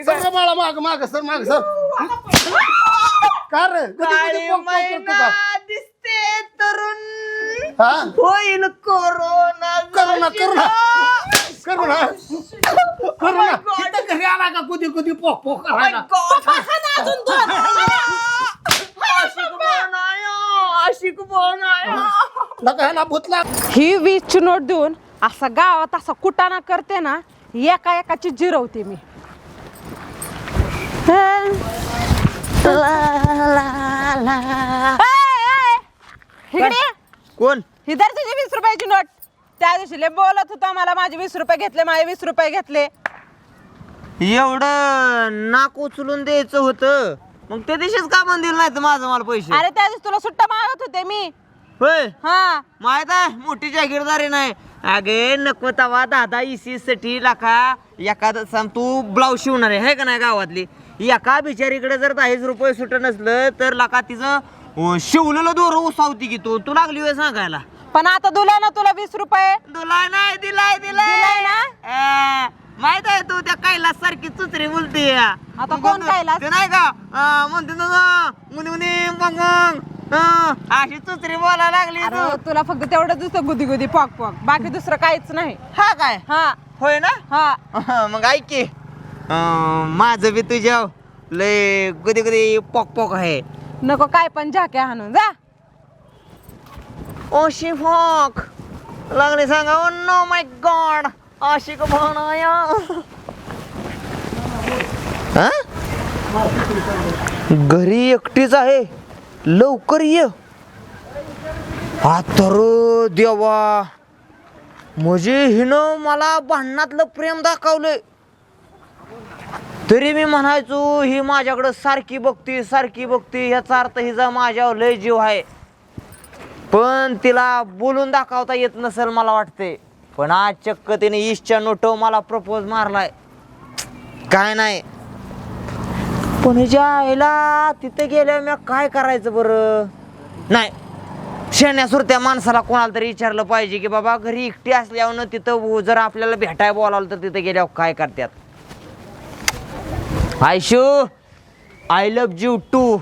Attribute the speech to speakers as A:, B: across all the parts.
A: Sir बाळा माग माग सर माग सर का रे
B: काळी मैना दिसते तरुण
A: हा
B: होईल कोरोना
A: करू ना करू ना करू ना करू ना इथं घरी आला का कुदी कुदी पोक पोक करायला
B: आशिक बनाया
A: नका ह्याला भूतला
C: ही 20ची नोट देऊन असा गावात असा कुटाणा करते ना एका एकाची जिरवते मी इकडे
B: कोण
C: इधर तुझी 20 रुपयाची नोट त्या दिवशी लय बोलत होता मला माझे 20 रुपये घेतले माझे 20 रुपये घेतले
B: एवढं नाक उचलून द्यायचं होतं मग त्या दिवशीच का पण दिलं नाही तर माझं मला पैसे
C: अरे त्या दिवशी तुला सुट्टा मागत होते मी
B: होय
C: हा
B: माहित आहे मोठी जागीरदारी नाही अगे नको तवा दादा इसी साठी लाखा एखादं सांग तू ब्लाऊज शिवणार आहे का नाही गावातली एका बिचारीकडे जर 10 रुपये सुट नसलं तर लाका तिचं शिवलेलं दोर उसावती की तू लागली वेळ सांगायला
C: पण आता दिला ना तुला 20 रुपये
B: तुला नाही दिलाय
C: दिलाय ना?
B: माहित आहे तू त्या कैलास सारखी चुचरी बोलते
C: आता कोण कैलास?
B: ते नाही का म्हणते ना मुनी मुनी मग अशी चुचरी बोलायला लागली
C: अरे
B: तू.
C: तुला फक्त तेवढं दिसतं गुदी गुदी पॉक पॉक बाकी दुसरं काहीच नाही
B: हा काय
C: हा
B: होय ना
C: हा
B: मग ऐक की माझं बी तुझ्या लय कधी कधी पॉक पॉक आहे
C: नको काय पण झाक्या हाणून जा
B: ओशी फॉक लागले सांगा ओ नो माय गॉड आशिक बनाया घरी एकटीच आहे लवकर ये तर देवा म्हणजे हिनं मला भांडणातलं प्रेम दाखवलंय तरी मी म्हणायचो ही माझ्याकडं सारखी बघती याचा अर्थ हिचा माझ्यावर लय जीव आहे पण तिला बोलून दाखवता येत नसेल मला वाटते पण आज चक्क तिने ईशच्या नोटव मला प्रपोज मारलाय काय नाही पण हिच्या आईला तिथे गेल्यावर मी काय करायचं बरं नाही शेण्या सुरत्या माणसाला कोणाला तरी विचारलं पाहिजे की बाबा घरी एकटी असल्यावर तिथं जर आपल्याला भेटाय बोलावलं तर तिथे गेल्यावर काय करतात Aishu I love you too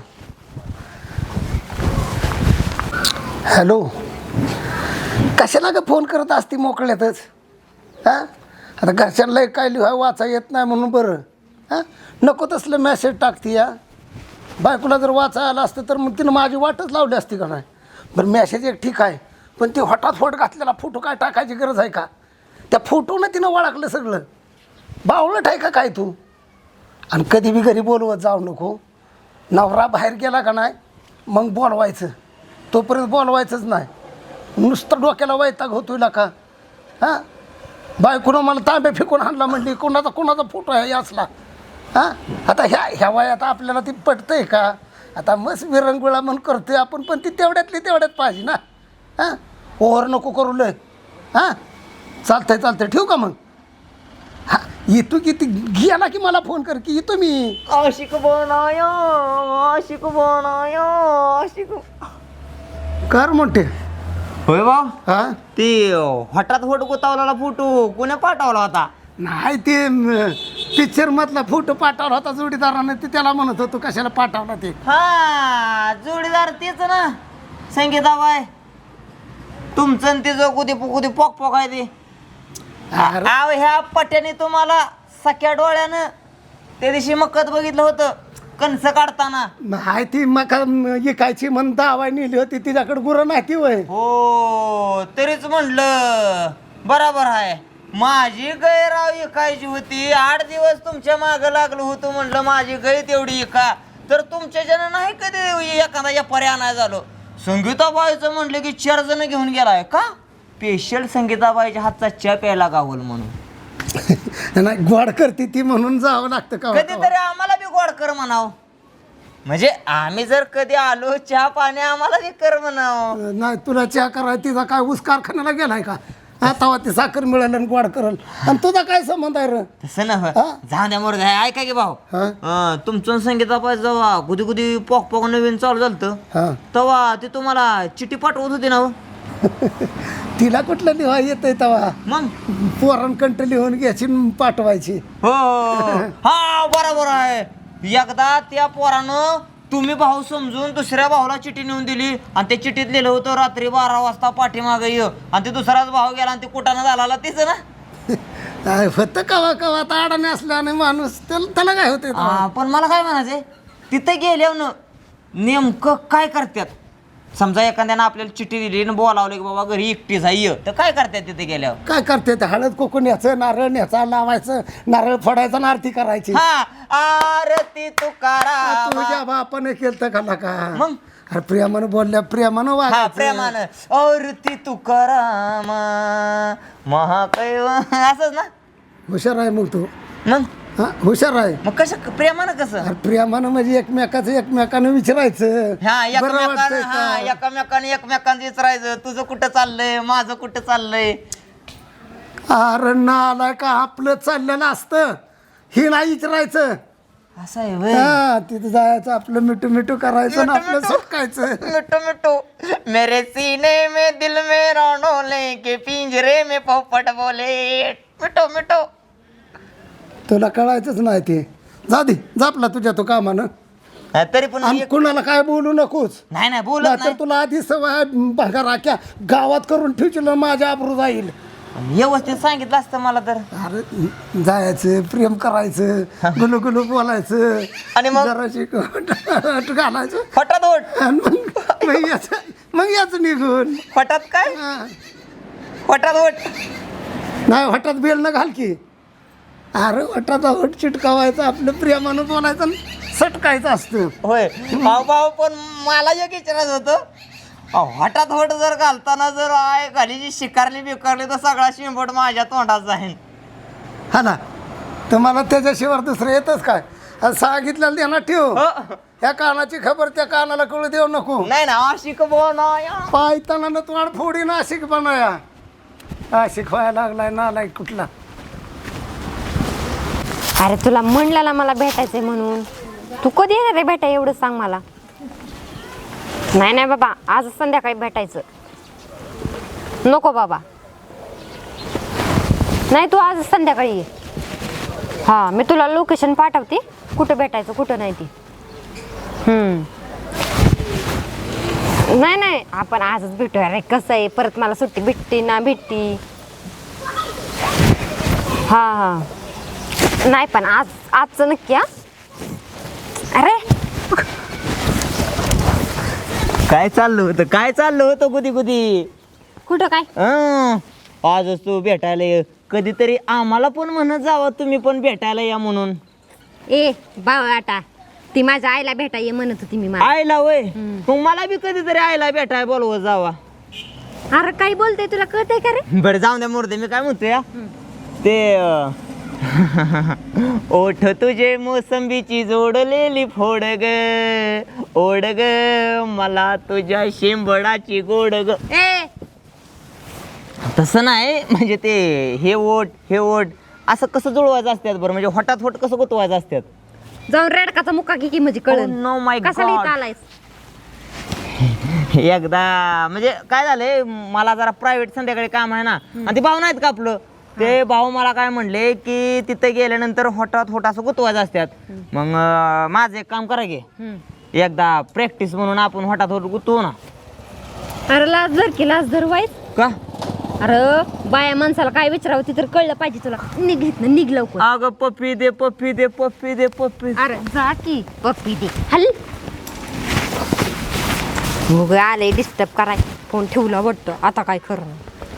A: hello कशाला का फोन करत असती मोकळ्यातच हां आता घरच्यांना काय लिहाय वाचा येत नाही म्हणून बरं हां नको तसलं मेसेज टाकते या बायकोला जर वाचा आलं असतं तर मग तिनं माझी वाटच लावली असती का नाही बरं मेसेज एक ठीक आहे पण ती हटाफट घातलेला फोटो काय टाकायची गरज आहे का त्या फोटोनं तिनं ओळखलं सगळं बावळट आहे का काय तू आणि कधी बी घरी बोलवत जाऊ नको नवरा बाहेर गेला का नाही मग बोलवायचं तोपर्यंत बोलवायचंच नाही नुसतं डोक्याला वैताग होतोय का हां बायकोनं मला तांबे फेकून आणला म्हणली कोणाचा फोटो आहे असला हां आता ह्या वयात आपल्याला ती पटतंय का आता मस्त विरंगुळा म्हणून करतोय आपण पण ती तेवढ्यात पाहिजे ना हां ओव्हर नको करू लय हां चालतंय ठेवू का मग हां येतो की ती गेला की मला फोन कर की येतो मी
B: आशिक बनाया
A: कर म्हणते
B: होय भाऊ
A: हां
B: ती हठात फोटो गुतावलेला फोटो कोणी पाठवला होता
A: नाही ते पिक्चरमधला फोटो पाठवला होता जोडीदाराने ते त्याला म्हणत होतो कशाला पाठवला ते
B: हा जोडीदार तेच ना संगीताबाई तुमचं आणि तिचं कुदी पोक पोक आहे ते
A: अरे,
B: आव ह्या पट्याने तुम्हाला सख्या डोळ्यानं त्या दिवशी मक्कत बघितलं होतं कणस काढताना
A: नाही ती मका इकायची म्हणून दावाय नेली होती तिच्याकडे गुरं नाही ती वय
B: हो तरीच म्हणलं बराबर आहे माझी गाय राव इकायची होती 8 दिवस तुमच्या मागं लागलो होतो म्हणलं माझी गाय तेवढी इका तर तुमच्या जण नाही कधी एखादा या पर्याय नाही झालो संगीताबाईचं म्हणलं की 4 जण घेऊन गेलाय का स्पेशल संगीताबाईच्या हातचा चहा प्यायला गावल म्हणून
A: नाही गोड करते ती म्हणून जावं लागतं का
B: कधीतरी आम्हाला बी गोड कर म्हणाव म्हणजे आम्ही जर कधी आलो चहा पाणी आम्हाला बी कर म्हणाव
A: नाही तुला चहा कराय तिचा काय ऊस कारखान्याला गेलाय का आता ती साखर मिळालं आणि गोड करल आणि तुझा काय संबंध आहे रे
B: तसं ना झाल्यामुळे ऐका की भाऊ
A: हां
B: तुमचं संगीताबाई जेव्हा कुदी पोक नवीन चालू झालं
A: हां
B: तेव्हा ते तुम्हाला चिठी पाठवत होती ना हो?
A: तिला कुठलं लिहा येतंय तेव्हा
B: मग
A: पोरांकंट लिहून घ्यायची आणि पाठवायची.
B: हो हा बरोबर आहे. एकदा त्या पोरानं तुम्ही भाऊ समजून दुसऱ्या भाऊला चिठी नेऊन दिली आणि त्या चिठ्ठीत लिहिलं होतं रात्री 12 वाजता पाठीमागं ये, आणि ते दुसराच भाऊ गेला आणि ते कुठानं झाला तिचं ना.
A: काय होतं कवा कवा आता अडाणी असल्याने माणूस त्याला काय होते.
B: पण मला काय म्हणायचंय, तिथे गेल्यावर नेमकं काय करतात? समजा एखाद्यानं आपल्याला चिठ्ठी दिली आणि बोलावलं की बाबा घरी एकटीच आहे, तर काय करतात तिथे गेल्यावर?
A: काय करते ते हळद कुकून न्यायचं, नारळ न्यायचा, लावायचं, नारळ फोडायचा आणि आरती करायची.
B: हा आरती तुकाराम.
A: तुझ्या बापाने केलं का का
B: मग
A: अरे प्रेमानं बोलल्या प्रेमानं
B: हा
A: वागायचं.
B: प्रेमानं आरती तुकाराम महाकैव असंच ना.
A: हुशार आहे मग तू.
B: मग
A: हा हुशार आहे.
B: मग कसं प्रेमानं कसं?
A: अरे प्रेमानं म्हणजे एकमेकानं विचारायचं.
B: हा
A: बरं वाटतंय
B: एकमेकानं एकमेकांचं विचारायचं, तुझं कुठं चाललंय, माझं कुठं चाललंय.
A: अरे नाला का आपलं चाललेलं असतं, हे नाही विचारायचं.
B: असं आहे व्हय.
A: हा तिथं जायचं, आपलं मिठू मिठू करायचं आणि आपलं सुटकायचं.
B: मिठू मिठू मेरे सीने में दिल में डोले के पिंजरे में पोपट बोले मिठू मिठू.
A: तुला कळायचंच नाही ते. जा दे जापला तुझ्या तो कामानं.
B: तरी पण
A: आणि कुणाला काय बोलू नकोस.
B: नाही नाही बोलत
A: तर
B: नाही.
A: तुला आधी सवय भागा राख्या गावात करून ठेवशील माझ्या आबरू जाईल.
B: व्यवस्थित सांगितलं असतं मला तर.
A: अरे जायचं, प्रेम करायचं, गुलू गुलू बोलायचं
B: आणि मग?
A: जराशी अट घालायचं
B: फटात
A: आणि मग याचं निघून.
B: फटात काय
A: हा.
B: फटात
A: नाही हठात बेल न घाल की. अरे हठात हट चिटकावायचं, आपलं प्रेमानं बोलायचं आणि सटकायचं असतं.
B: होय भाऊ भाऊ. पण मला एक विचारायचं होतं, हटात होट जर घालताना जर आय घाली जी शिकारली बिकारली तर सगळा शिंबट माझ्या तोंडात जाईल.
A: हा ना. तर मला त्याच्याशिवाय दुसरं येतच काय. आणि सांगितलेलं ध्यानात ठेव. या कानाची खबर त्या कानाला कळू देऊ नको.
B: नाही ना आशिक बनाया.
A: पायताना तोंड फोडी ना आशिक बनाया. आशिक व्हायला लागलाय नालाय कुठला.
D: अरे तुला म्हणलेला मला भेटायचंय म्हणून. तू कधी येणार रे भेटाय एवढं सांग मला. नाही नाही बाबा, आज संध्याकाळी भेटायचं. नको बाबा, नाही तू आज संध्याकाळी ये. हां मी तुला लोकेशन पाठवते, कुठं भेटायचं कुठं नाही ती. नाही नाही आपण आजच भेटूया रे. कसं आहे परत मला सुट्टी भेटते ना भेटती. हां हां नाही पण आजचं नक्की. हा अरे
B: काय चाललं होतं गुदी गुदी.
D: कुठं काय?
B: आजच तू भेटायला ये. कधीतरी आम्हाला पण म्हणत जावं तुम्ही पण भेटायला या म्हणून.
D: ए बावळाटा, ती माझ्या आईला भेटाय म्हणत होती मी मला.
B: आईला वय मग मला बी कधीतरी आईला भेटाय बोलवत जावा.
D: अरे काय बोलतोय, तुला कळतंय का रे?
B: बरं जाऊन द्या मुर्दे. मी काय म्हणतोय ते ओठ तुझे मोसंबीची जोडलेली फोड ग ओढ ग मला तुझ्या शेंबडाची गोड ग.
D: ए
B: तसं नाही म्हणजे ते हे ओठ असं कसं जुळवायचं असतात बरं, म्हणजे होटात होट कसं गुतवायचं असतात.
D: जाऊन रेडकाचा मुक्का की म्हणजे कळन.
B: Oh no, my
D: कसा
B: God.
D: लिहित आलायस?
B: एकदा म्हणजे काय झालंय, मला जरा प्रायव्हेट संध्याकाळी काम आहे ना, आणि ते भाऊ नाहीत का आपलं, ते भाऊ मला काय म्हणले की तिथे गेल्यानंतर होटात होट असं गुतवायचं असतात. मग माझं एक काम करा की एकदा प्रॅक्टिस म्हणून आपण होटात होट गुतवू ना.
D: अरे लाज धर की, लाज धर वाईट
B: का?
D: अरे बाया माणसाला काय विचारावं ते तर कळलं पाहिजे तुला. निघ लवकर.
B: अगं पप्पी दे पप्पी दे पप्पी दे पप्पी.
D: अरे जा की पप्पी दे. हल मग आले डिस्टर्ब कराय, फोन ठेवला वाटतं. आता काय करणं.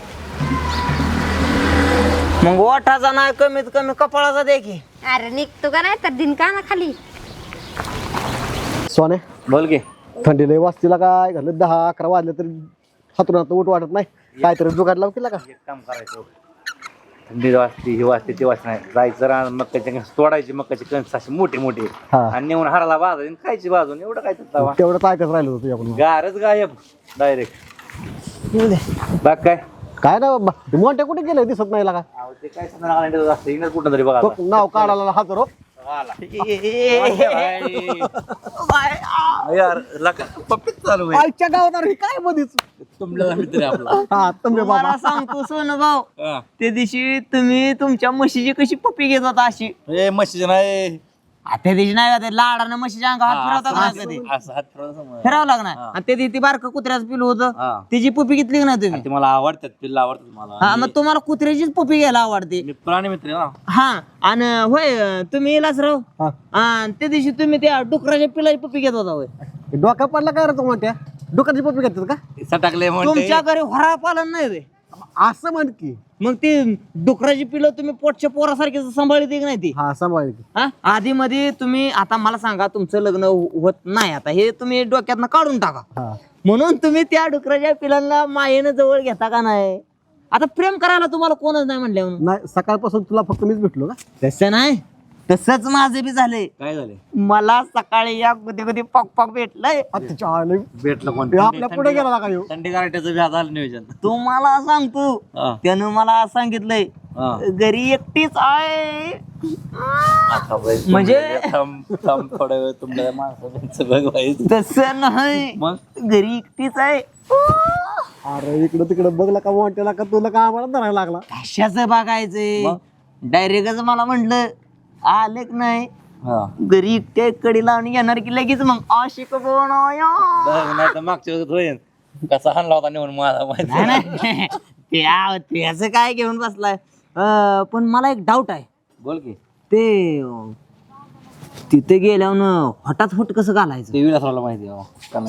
B: मग ओठाचा नाही कमीत कमी कपाळाचा दे की.
D: अरे निघतो का नाही तर दिन का ना खाली.
E: सोने
B: बोल की.
E: थंडी लय वाजतीला काय घालत 10-11 वाजले तरी हातून उठ वाटत नाही. काहीतरी जुगाड लाव केला का?
F: एक काम करायचं, थंडी वाजते ही वाजते ती वाजते नाही, जायचं रान मक्काची कणस तोडायची, मक्काची कणस अशी मोठी मोठी
E: हा.
F: आणि नेऊन हाराला बाजायची आणि खायची भाजून. एवढं काय तवा
E: तेवढं काय कसं राहिलं होतं तुझ्याकडून?
F: गारच गायब डायरेक्ट. बाग काय
E: काय ना बाबा, ते मोठ्या कुठे गेले दिसत नाही का?
F: ते काय सांगणार कुठं तरी बघा.
E: नाव काढायला हजर हो.
F: यार लका पप्पीच चालू आहे.
E: आईच्या गावात अरे काय मध्येच
F: तुमला मित्र आहे आपला.
E: हा तुम्ही
B: मला
E: बाबा
B: सांगतो सोनं भाऊ
F: हा.
B: त्या दिवशी तुम्ही तुमच्या म्हशीची कशी पप्पी घेत होता अशी
F: ए म्हशीचं नाही
B: त्या दिवशी नाही का ते लाडानं म्हशीच्या अंगावर हात फिरवता का नाही कधी
F: असं हात फिरवलं समोर.
B: फिरावं लागणार आणि त्या दिवशी ती बारकं कुत्र्याचं पिलू होतं
F: हा.
B: तिची पप्पी घेतली की नाही तुम्ही
F: ते मला आवडतात पिल्ला आवडतात मला.
B: हा मग तुम्हाला कुत्र्याचीच पप्पी घ्यायला आवडते
F: मी प्राणी मित्र आहे ना.
B: हा आणि होय तुम्ही इलासराव
E: हा.
B: आणि त्या दिवशी तुम्ही त्या डुकराच्या पिलाची पप्पी घेत होता होय
E: डोका पडला काय रे तू म्हणत्या डोक्याची पप्पी घेतात का
F: सटाकले म्हणते
B: तुमच्या घरी होरा पालन नाही रे
E: असं म्हण की
B: मग ती डुकराची पिलं तुम्ही पोटच्या पोरासारखी सांभाळते की नाही ती
E: हा सांभाळ की
B: हा आधी मध्ये तुम्ही आता मला सांगा तुमचं लग्न होत नाही आता हे तुम्ही डोक्यातनं काढून टाका
E: हा
B: म्हणून तुम्ही त्या डुकराच्या पिलांना मायेनं जवळ घेता का नाही आता प्रेम करायला तुम्हाला कोणच नाही म्हणले म्हणून
E: नाही सकाळपासून तुला फक्त मीच भेटलो का
B: तसं नाही तसंच माझे बी झाले
F: काय झाले
B: मला सकाळी या कधी कधी पॉक पॉक भेटलंय
E: अच्छा आले.
F: भेटलं कोण
E: हे आपल्या पुढे गेला का ह्यो?
F: थंडी गारठ्याचं व्याज आलं नियोजन.
B: तुम्हाला सांगतो
F: हा.
B: त्यानं मला सांगितलंय
F: हा.
B: घरी एकटीच आहे
F: आता बाई,
B: म्हणजे-
F: थांब थोडा वेळ तुमच्या माणसाचं बघवायचं.
B: तसं नाही
F: मग
B: घरी एकटीच आहे
E: अरे इकडं तिकडं बघला का म्हणतेला का तुला का आम्हाला धरायला लागला
B: कशाचं बघायचंय
F: मग?
B: डायरेक्टच मला म्हटलं आले की नाही
F: हा.
B: घरी एकट्या कडी लावून येणार की लगेच मग आशिक बनाया.
F: बघ, नाही तर मागच्या वेळेस होईल कसा हाणला होता नेऊन मला माहिती
B: नाही, नाही. त्याचं काय घेऊन बसलाय पण मला एक डाऊट आहे
F: बोल की
B: ते तिथे गेल्यावर हठात हुट कसं घालायचं
F: ते विलासरावला माहिती आहे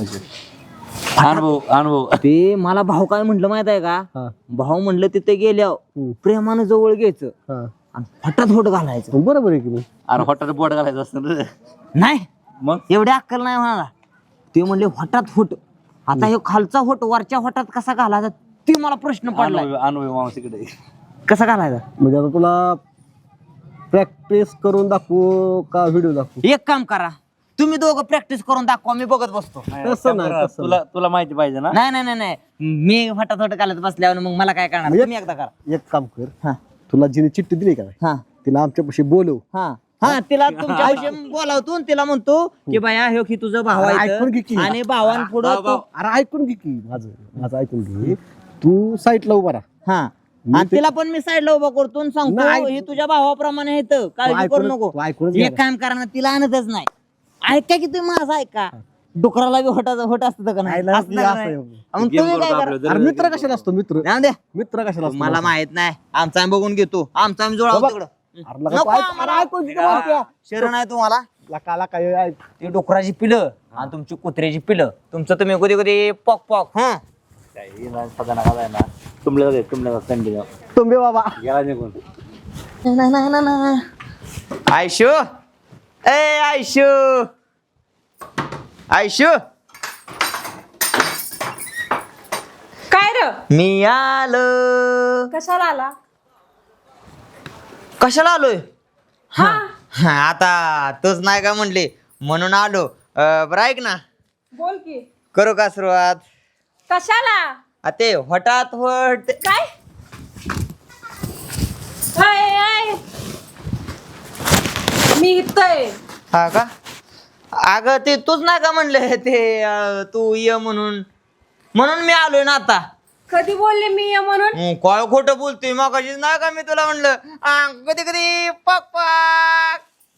F: अनुभव
B: ते मला भाऊ काय म्हटलं माहित आहे का
E: हा.
B: भाऊ म्हणलं तिथे गेल्यावर प्रेमानं जवळ घ्यायचं
E: हा
B: आणि हठात होट घालायचं
E: बरोबर आहे की नाही
F: अरे हॉटेल बोट घालायचं असतं रे.
B: नाही
F: मग
B: एवढी अक्कल नाही म्हणाला ते म्हणले हठात होट आता हे खालचा होट वरच्या होटात कसा घालायचा ते मला प्रश्न पडलाय
F: अनुभव मावशीकडे
B: कसा घालायचा
E: म्हणजे आता तुला प्रॅक्टिस करून दाखवू का व्हिडिओ दाखवू
B: एक काम करा तुम्ही दोघं प्रॅक्टिस करून दाखवा मी बघत बसतो
E: तसं नाही तसं
F: तुला माहिती पाहिजे ना.
B: नाही नाही नाही नाही मी हठात होट घालत बसल्यावर मग मला काय करणार तुम्ही एकदा करा
E: नाही. एक काम कर
B: हा
E: तुला जिने चिठ्ठी दिली का
B: हा
E: तिला आमच्यापाशी बोलव
B: हा हा तिला तुमच्या विषयी बोलावतो आणि तिला म्हणतो की बाया हे की तुझं भाव
E: अरे,
B: आहे
E: ऐकून घे की.
B: इथं. आणि भावांपुढं तू-
E: अरे ऐकून घे की माझं ऐकून घे तू साईटला उभा राहा
B: हा आणि तिला पण मी साईडला उभा करतो आणि सांगतो
E: नाही.
B: हे तुझ्या भावाप्रमाणे येतं काळजी करू
E: ऐकूनच-
B: नको
E: तू ऐकूनच
B: एक
E: घ्या.
B: काम करा ना तिला आणतच नाही ऐका की तुम्ही माझं ऐका डुकराला बी होट असतं का नाही?
E: नाही, नाही,
B: असतं का
E: असं
B: नाही?
E: आहे.
B: मग तुम्ही काय करा
E: अरे मित्र कशाला असतो मित्र
B: जाऊ द्या
E: मित्र कशाला असतो
B: मला माहित नाही आमचा आम्ही बघून घेतो आमचा आम्ही जुळावं तिकडं
E: अरे लगा
B: नको
E: तू ऐक-
B: आम्हाला.
E: अरे ऐकून घे की.
B: शरण आहे तुम्हाला
E: लकाला काय ऐक.
B: ती डुकराची पिलं आणि तुमची कुत्र्याची पिलं तुमचं तुम्ही कधी कधी पॉक पॉक हा
F: तुमल्या थंडी
E: तुम्ही बाबा
F: गेला निघून.
B: आयशू ए आयशू आयशू
C: काय र
B: मी आलो
C: कशाला आला
B: कशाला आलोय
C: हा
B: हा, आता तोच नाही का म्हणले म्हणून आलो बरं ऐक ना
C: बोल की
B: करू का सुरुवात
C: कशाला
B: आ, ते हठात होट
C: काय आय, आय. मी इथं
B: हा का अगं ते तूच नाही का म्हणले ते तू ये म्हणून मी आलोय ना आता
C: कधी बोलले मी ये म्हणून
B: काय खोटं बोलतोय मग नाही का मी तुला म्हणलं कधी कधी पक पक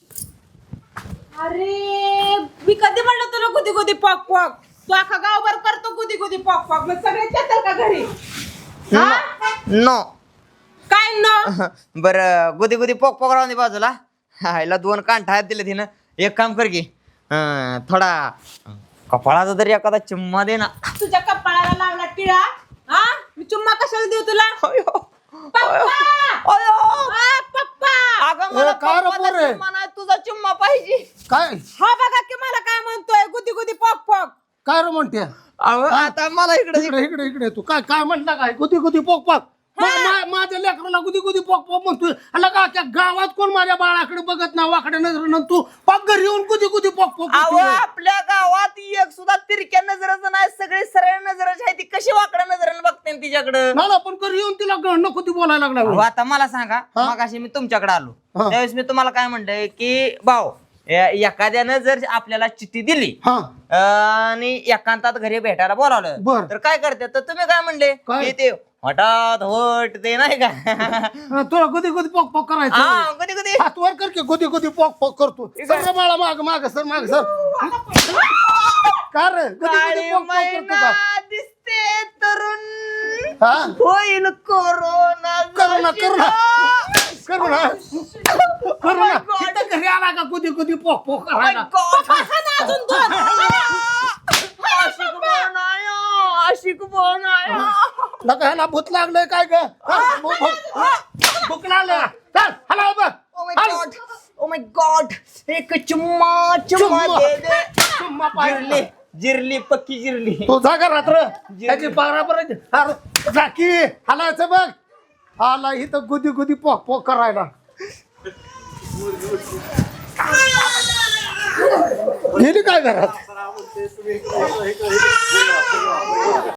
C: अरे मी कधी म्हणलं तुला कुदी कुदी पॉक पॉक तू अख्खा गावभर करतो कुदी कुदी पॉक पॉक मग सगळे येतात का घरी हा?
B: नो
C: काय न
B: बर गुदी गुदी पोक पोक राहून दे बाजूला ह्याला 2 कांठा आहेत दिले तिनं एक काम कर की थोडा कपाळाचा तरी एखादा चिम्मा दे ना
C: तुझ्या कपाळाला लावला टिळा हा मी चुम्मा कशाला देऊ तुला पप्पा! हा, पप्पा
B: अगं मला
A: काय रे
B: पप्पाचा
A: पोरे?
B: चिम्मा नाही, तुझा चिम्मा पाहिजे
A: काय
C: हा बघा की मला काय म्हणतोय गुदी गुदी पॉक पॉक
A: काय रे म्हणते
B: अहो, आता मला इकडे
A: इकडे इकडे इकडे तू काय काय म्हणता काय कुती कुती पोक पाक माझ्या लेकराला गुदी गुदी पॉक पॉक म्हणतोय अला का त्या गावात कोण माझ्या बाळाकडे बघत ना वाकडे नजर तू पाक घरी येऊन गुदी गुदी पॉक पॉक
B: अहो आपल्या गावात एक सुद्धा तिरक्या नजराचं नाही, सगळे सरळ नजराची आहे. ती कशी वाकड्या नजरेने बघते तिच्याकडं?
A: ना पण घरी येऊन तिला नको ती बोलायला लागला
B: अहो, आता मला सांगा, मगाशी मी तुमच्याकडे आलो त्यावेळेस मी तुम्हाला काय म्हणलंय की भाऊ एखाद्यानं जर आपल्याला चिठ्ठी दिली
A: हा
B: आणि एकांतात घरी भेटायला बोलावलं
A: बर.
B: तर काय करते? तर तुम्ही काय म्हणले
A: काय?
B: की ते हठात होट ते नाही का
A: तुला गुदी गुदी पॉक पॉक करायचं
B: हा कधी कधी
A: हात वर कर की गुदी गुदी पॉक पॉक करतो सर बाळा माग माग सर माग सर का रे गुदी गुदी
B: काळी
A: पॉक पॉक करतो का
B: मैना दिसते तरुण
A: हा
B: होईल कोरोना
A: करू ना करू ना
B: my God.
A: इथं घरी आला का गुदी गुदी पॉक पॉक करायला
B: आशिक बनाया
A: नका ह्याला भूत लागलंय काय ग भूक लागलं चल हला बघ
B: ओ माय गॉड एक चुम्मा चुम्मा दे दे
A: चुम्मा पाहिजे
B: जिरली पक्की जिरली
A: तू जा का रात्र त्याची बराबर झाकी हलायचं बघ आला इथं गुदी गुदी पॉक पॉक करायला गेली काय घरात